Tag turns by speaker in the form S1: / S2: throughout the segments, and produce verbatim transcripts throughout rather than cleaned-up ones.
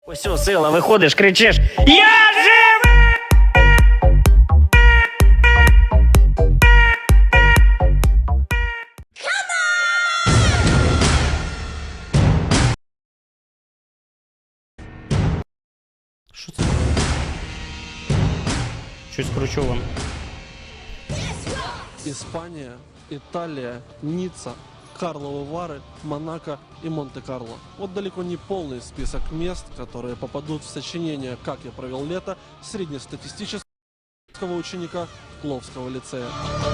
S1: Ось о, сила, виходиш, кричиш: Я живий! Що це? Щось кручу вам.
S2: Испания, Италия, Ницца, Карловы Вары, Монако и Монте-Карло. Вот далеко не полный список мест, которые попадут в сочинение «Как я провел лето» среднестатистического ученика Кловского лицея.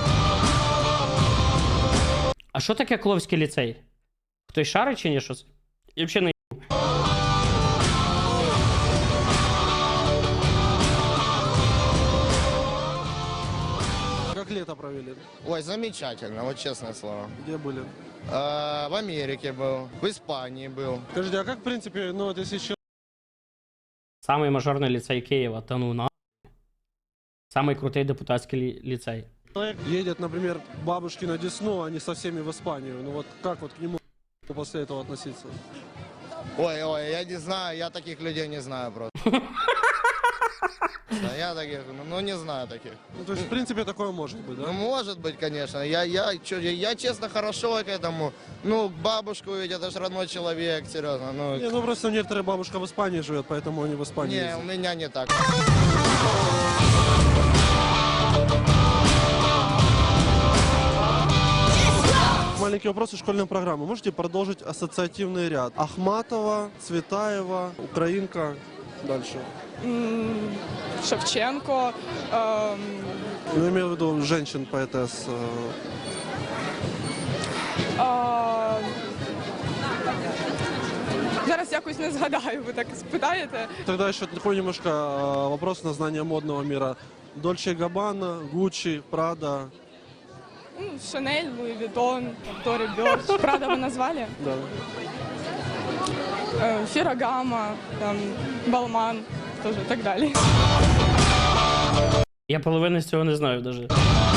S1: А що таке Кловський ліцей? Хтось шарить чи ні щось? Я взагалі не...
S2: Как лето провели?
S3: Ой, замечательно, вот честное слово.
S2: Где были?
S3: Э, в Америке был, в Испании был.
S2: Скажите, а как, в принципе, ну вот если человек...
S1: Самий мажорний ліцей Києва, та ну на. Самий крутий депутатський лі- ліцей.
S2: Человек едет, например, к бабушке на Десну, а не со всеми в Испанию. Ну вот как вот к нему после этого относиться?
S3: Ой, ой, я не знаю, я таких людей не знаю просто. Да, я таких, ну, ну не знаю таких.
S2: Ну то есть, в принципе, такое может быть,
S3: Ну
S2: да?
S3: может быть, конечно. Я, я, чё, я, я честно хорошо к этому. Ну, бабушку ведь это же родной человек, серьезно. Ну,
S2: Не, ну просто некоторая бабушка в Испании живет, поэтому они в Испании
S3: не,
S2: ездят.
S3: у меня не так.
S2: Маленький вопрос из школьной программы. Можете продолжить ассоциативный ряд? Ахматова, Цветаева, Украинка. Дальше.
S4: М, Шевченко, ем,
S2: Ну, имею в виду женщин-поэтесс. э,
S4: а, зараз якось не згадаю, ви так спитаєте.
S2: Тогда еще такой немножко э, вопрос на знание модного мира. Дольче Габбана, Гуччи, Прада.
S4: Ну, Шанель, Луї Вітон, Тори Бьорч. Правда, ви назвали?
S2: Да.
S4: Е, Фірагама, там, Балман, теж і так далі.
S1: Я половини з цього не знаю навіть.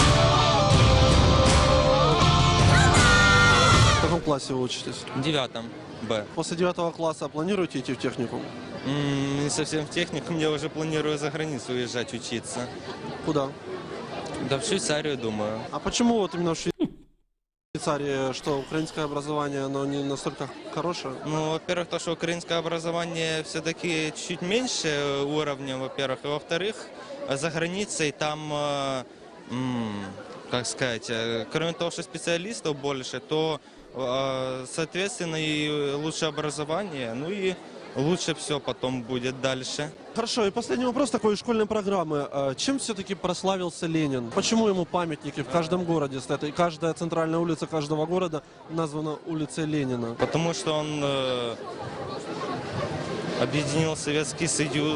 S2: В каком классе вы учитесь?
S5: В девятом Б.
S2: После девятого класса планируете идти в техникум?
S5: М, Не совсем в техникум, я уже планирую за границу уезжать учиться.
S2: Куда?
S5: Да в Швейцарию, думаю.
S2: А почему вот именно в Швейцарии, что украинское образование, оно не настолько хорошее?
S5: Ну, во-первых, то, что украинское образование все-таки чуть меньше уровня, во-первых. И во-вторых, за границей там, э, м, как сказать, э, кроме того, что специалистов больше, то, э, соответственно, и лучше образование, ну и лучше все потом будет дальше.
S2: Хорошо, и последний вопрос такой из школьной программы. А чем все-таки прославился Ленин? Почему ему памятники в каждом городе стоят? И каждая центральная улица каждого города названа улицей Ленина.
S5: Потому что он э, объединил Советский Союз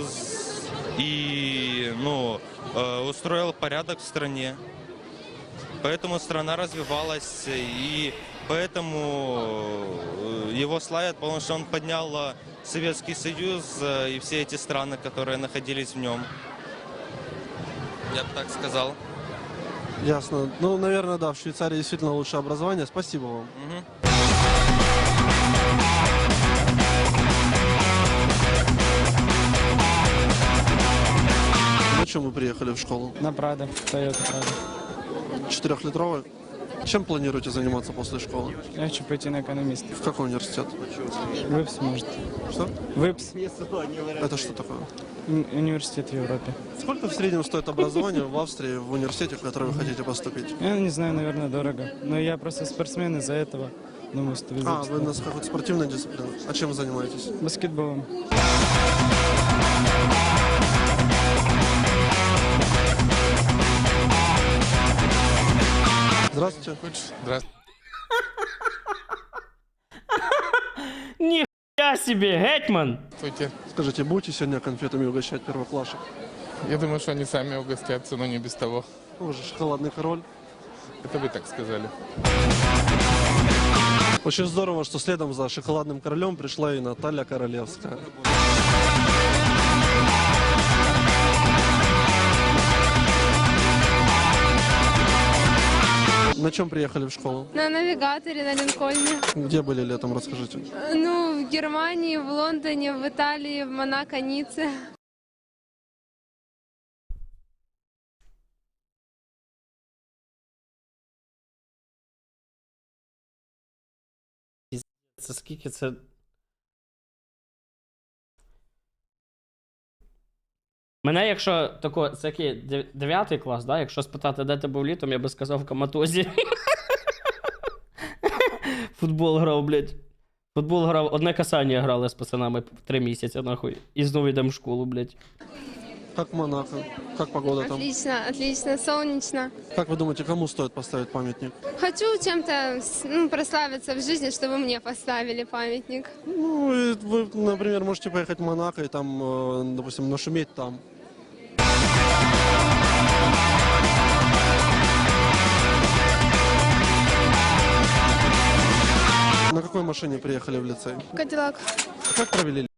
S5: и ну, э, устроил порядок в стране. Поэтому страна развивалась, и поэтому э, его славят, потому что он поднял э, Советский Союз э, и все эти страны, которые находились в нем. Я бы так сказал.
S2: Ясно. Ну, наверное, да, в Швейцарии действительно лучшее образование. Спасибо вам.
S5: Мгм.
S2: На чем вы приехали в школу?
S6: На Прадо, Тойота Прадо.
S2: Четырехлитровый? Чем планируете заниматься после школы?
S6: Я хочу пойти на экономиста.
S2: В какой университет?
S6: ВИПС, может.
S2: Что?
S6: ВИПС.
S2: Это что такое?
S6: М- Университет в Европе.
S2: Сколько в среднем стоит образование в Австрии, в университете, в который вы хотите поступить?
S6: Я не знаю, наверное, дорого. Но я просто спортсмен, из-за этого думаю, что
S2: А,
S6: ВИПС.
S2: вы у нас какой-то спортивной дисциплины. А чем вы занимаетесь?
S6: Баскетболом.
S2: Здравствуйте.
S1: Ніхуя собі, гетьман!
S7: Здравствуйте.
S2: Скажите, будете сегодня конфетами угощать первоклашек?
S7: Я думаю, что они сами угостятся, но не без того.
S2: Вы же шоколадный король.
S7: Это вы так сказали.
S2: Очень здорово, что следом за шоколадным королем пришла и Наталья Королевская. На чем приехали в школу?
S8: На навигаторе, на Линкольне.
S2: Где были летом, расскажите.
S8: Ну, в Германии, в Лондоне, в Италии, в Монако, Ницце.
S1: Це скільки це. Мене, якщо тако, це який дев'ятий клас, да? Якщо спитати, де ти був літом, я би сказав в Коматозі. Футбол грав, блядь. Футбол грав, одне касання грали з пацанами три місяці, нахуй. І знову йдемо в школу, блядь.
S2: Как в Монако? Как погода там?
S8: Отлично, отлично, солнечно.
S2: Как вы думаете, кому стоит поставить памятник?
S8: Хочу чем-то ну, прославиться в жизни, чтобы мне поставили памятник.
S2: Ну, и вы, например, можете поехать в Монако и там, э, допустим, нашуметь там. На какой машине приехали в лицей?
S4: Кадиллак.
S2: Как провели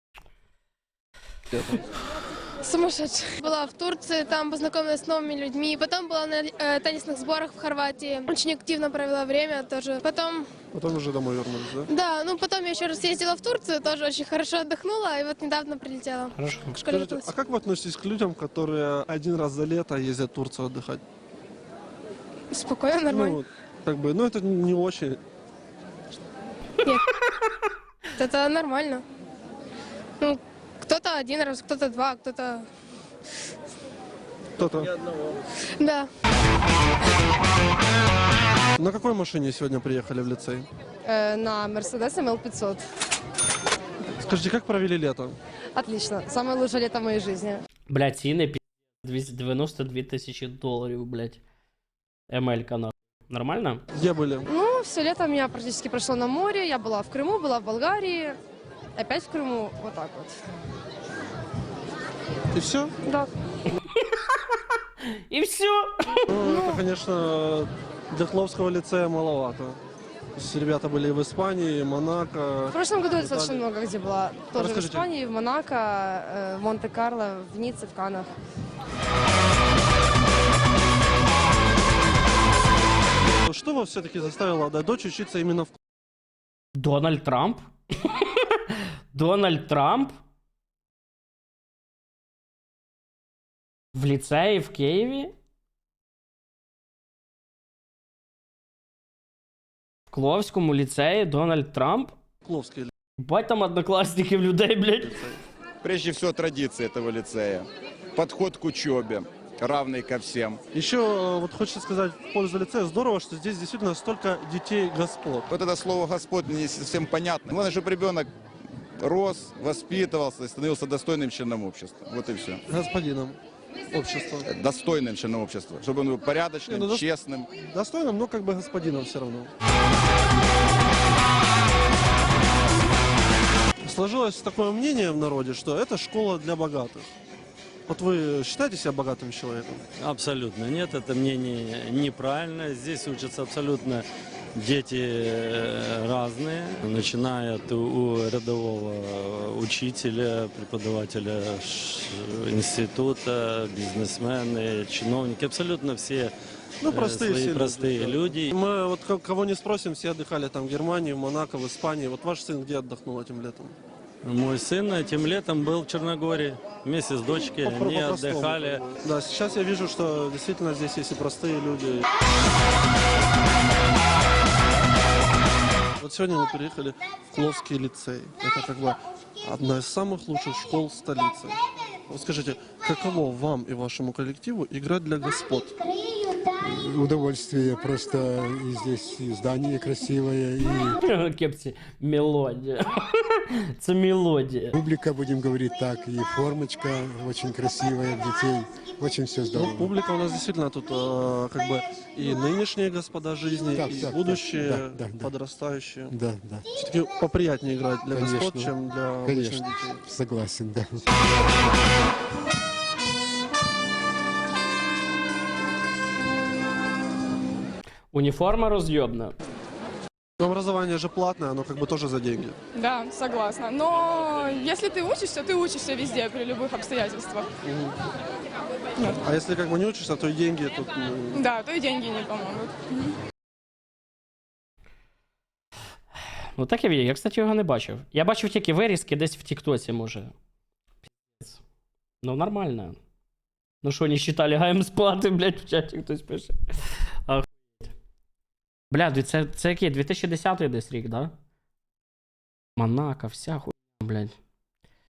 S2: лето?
S4: Сумасшедший. Была в Турции, там познакомилась с новыми людьми. Потом была на э, теннисных сборах в Хорватии. Очень активно провела время тоже. Потом,
S2: Потом уже домой вернулись, да?
S4: да, ну потом я еще раз ездила в Турцию, тоже очень хорошо отдохнула. И вот недавно прилетела.
S1: Хорошо.
S4: К школе
S2: Скажите,
S4: готовилась.
S2: а как вы относитесь к людям, которые один раз за лето ездят в Турцию отдыхать?
S4: Спокойно, нормально.
S2: Ну, как бы, ну это не очень.
S4: Это нормально. Ну, кто-то один раз, кто-то два, кто-то...
S2: Кто-то.
S4: Да.
S2: На какой машине сегодня приехали в лицей?
S9: На Mercedes эм эл пятьсот.
S2: Скажите, как провели лето?
S9: Отлично. Самое лучшее лето в моей жизни.
S1: Блядь, ціни пі... двісті дев'яносто дві тисячі доларів, блядь. ем ель-ка, нахуй. Нормально?
S2: Где были?
S9: Ну, все лето у меня практически прошло на море. Я была в Крыму, была в Болгарии. Опять в Крыму. Вот так вот.
S2: И все?
S9: Да.
S1: І все.
S2: Ну, это, конечно, для Хловского лицея маловато. То есть ребята были и в Испании, и Монако.
S9: В прошлом году я
S2: Италия.
S9: достаточно много где была. Тоже
S2: Расскажите.
S9: в Испании, в Монако, э, в Монте-Карло, в Ницце, в Каннах.
S2: Что вас все-таки заставило отдать дочь учиться именно в...
S1: Дональд Трамп? Дональд Трамп? В ліцеї в Києві? В Кловському ліцеї Дональд Трамп?
S2: Хловский
S1: Бать там однокласників людей, блядь.
S2: лицей?
S10: Прежде всего, традиции этого лицея. Подход к учебе, равный ко всем.
S2: Еще э, вот хочется сказать в пользу лицея, здорово, что здесь действительно столько детей господ.
S10: Вот это слово «Господь» мне не совсем понятно. Главное, чтобы ребенок рос, воспитывался и становился достойным членом общества. Вот и все.
S2: Господином общества.
S10: Достойным членом общества. Чтобы он был порядочным,
S2: Не, ну, дос-
S10: честным.
S2: Достойным, но как бы господином все равно. Сложилось такое мнение в народе, что это школа для богатых. Вот вы считаете себя богатым человеком?
S11: Абсолютно нет, это мнение неправильно. Здесь учатся абсолютно дети э, разные, начиная от у рядового учителя, преподавателя ш- института, бизнесмены, чиновники, абсолютно все
S2: Ну,
S11: э,
S2: простые
S11: свои
S2: все
S11: простые
S2: да.
S11: люди.
S2: Мы вот ко- кого не спросим, все отдыхали там в Германии, в Монако, в Испании. Вот ваш сын где отдохнул этим летом?
S11: Мой сын этим летом был в Черногории вместе с дочкой,
S2: Попро-
S11: они
S2: по-простому,
S11: отдыхали.
S2: как бы. Да, сейчас я вижу, что действительно здесь есть и простые люди. Вот сегодня мы приехали в Кловский лицей. Это как бы одна из самых лучших школ столицы. Вот скажите, каково вам и вашему коллективу играть для господ?
S12: Удовольствие, просто и здесь и здание красивое, и
S1: Кепці, мелодія. Це мелодія.
S12: публика, будем говорить так, и формочка очень красивая детей, очень все
S2: Ну,
S12: здорово.
S2: публика у нас действительно тут э, как бы и нынешние господа жизни,
S12: Так,
S2: и
S12: так,
S2: будущие,
S12: да, да, да.
S2: подрастающие.
S12: Да, да,
S2: Все-таки поприятнее играть для
S12: Конечно.
S2: господ, чем для обычных
S12: конечно,
S2: детей.
S12: согласен, да.
S1: Уніформа роз'єбна.
S2: Но образование же платное, оно как бы тоже за деньги.
S13: Да, согласна. Но если ты учишься, ты учишься везде, при любых обстоятельствах. Вот.
S2: А если как бы не учишься, то и деньги тут... ну,
S13: Да, то и деньги не помогут.
S1: Ну таке відео. Я, кстати, його не бачив. Я бачив тільки вирізки десь в Тіктоці, може. Піздець. Ну, нормально. Ну що, не считали гаєм сплати, блядь, в чаті хтось пише. Охуєть. Бля, це, це який? дві тисячі десятий десь рік, да? Монако, вся хуйня, блядь.